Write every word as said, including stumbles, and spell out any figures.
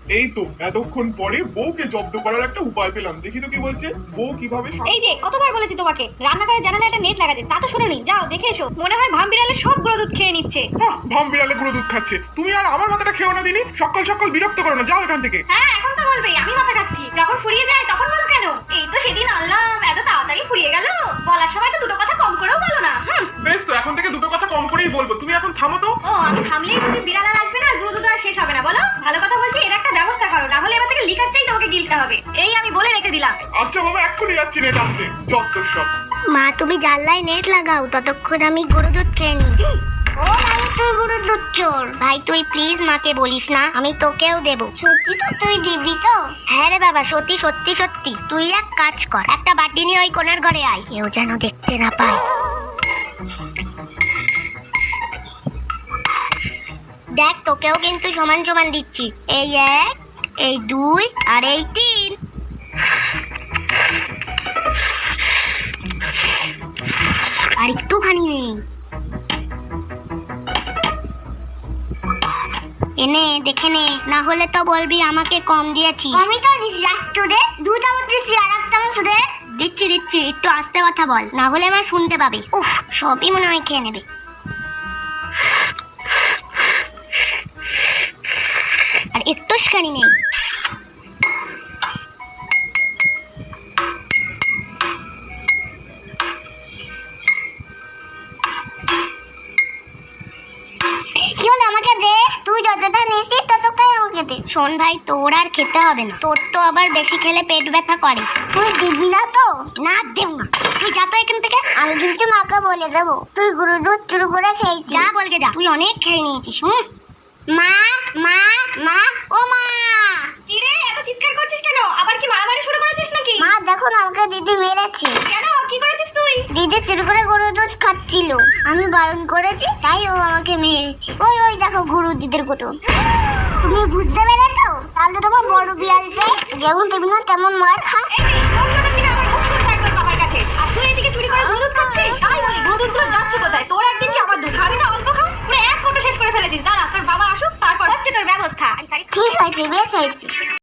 এই তো এতক্ষণ পরে বউকে জব্দ করার একটা উপায় পেলাম। দেখি তো কি বলছে বউ কিভাবে। এই যে কতবার বলেছি তোমাকে রান্নাঘরে জানালায় একটা নেট লাগাতে, তা তো শুনোনি। যাও দেখে এসো, মনে হয় ভাম বিড়ালে সব গুঁড়ো দুধ খেয়ে নিচ্ছে। হ্যাঁ, ভাম বিড়ালে গুঁড়ো দুধ খাচ্ছে। তুমি আর আমার মাথাটা খেও না দিনি, সকাল সকাল বিরক্ত করো না, যাও এখান থেকে। হ্যাঁ এখন তো বলবেই আমি মাথা খাচ্ছি, যখন ফুরিয়ে যায় তখন বলো কেন? এই তো সেদিন আনলাম, এত তাড়াতাড়ি ফুরিয়ে গেল। বলার সময় তো দুটো কথা কম করেও বলো না। হুম, বেশ, তো এখন থেকে দুটো কথা কম করেই বলবো। তুমি এখন থামো তো। ও আমি থামলেই বুঝি বিড়াল আর আসবে না, গুঁড়ো দুধ আর শেষ হবে না? বলো, ভালো কথা বলছি, এর একটা ব্যবস্থা করো, না হলে এবার থেকে লিকার চাই তোমাকে গিলতে হবে। এই আমি বলে রেখে দিলাম। আচ্ছা বাবা, এক্ষুনি যাচ্ছি নেট আনতে। যত সব। মা তুমি জানলায় নেট লাগাও, ততক্ষণ আমি গরু দুধ খেয়ে নিই। ও ভাই তুই গরু দুধ চোর। ভাই তুই প্লিজ মাকে বলিস না, আমি তোকেও দেব। সত্যি তো তুই দিবি তো? হ্যাঁ রে বাবা, সত্যি সত্যি সত্যি। তুই এক কাজ কর, একটা বাটি নিয়ে ওই কোণার ঘরে আয়, কেউ যেন দেখতে না পায়। দেখ তোকেও কিন্তু সমান সমান দিচ্ছি। এই এক, এই দুই, আর এই তিন। আর একটুখানি নেই। এনে দেখে নে, না হলে তো বলবি আমাকে কম দিয়েছি। আমি তো দিছি একটু দে, দু চামচ দিছি, আর এক চামচ দে। দিচ্ছি দিচ্ছি, একটু আস্তে কথা বল, না হলে আমার শুনতে পাবে। উফ, সবই মনে হয় খেয়ে নেবে। আর একটুখানি নেই। কি হলো, আমাকে দে। তুই যতটা নিছিস ততটাই আমাকে দে। শোন ভাই, তোর আর খেতে হবে না, তোর তো আবার বেশি খেলে পেট ব্যথা করে। তুই দিবি না তো? না দেব না, তুই যা তো এখান থেকে। আমি কিন্তু মাকে বলে দেবো তুই গরু দুধ চুরু করে খেয়েছিস। যা বলকে যা, তুই অনেক খেয়ে নিয়েছিস। হুম। মা মা মা, ও মা। কি রে, এত চিৎকার করছিস কেন? আবার কি মারামারি শুরু করেছিস নাকি? মা দেখো না, আমাকে দিদি মেরেছে। কেন, কি করেছিস তুই? দিদি চুরি করে গরু দুধ খাচ্ছিল, আমি বারণ করেছি, তাই ও আমাকে মেরেছে। ওই ওই দেখো গরু দিদির কুটুম। তুমি বুঝতে পেরেছো? তাহলে তোমার বড় বিড়ালকে যেমন তুমি না তেমন মার খা। এই তোর জন্য কিনা আমার মুখ শুনতে একদম বাবার কাছে, আর তুই এদিকে চুরি করে গুঁড়ো দুধ খাচ্ছিস।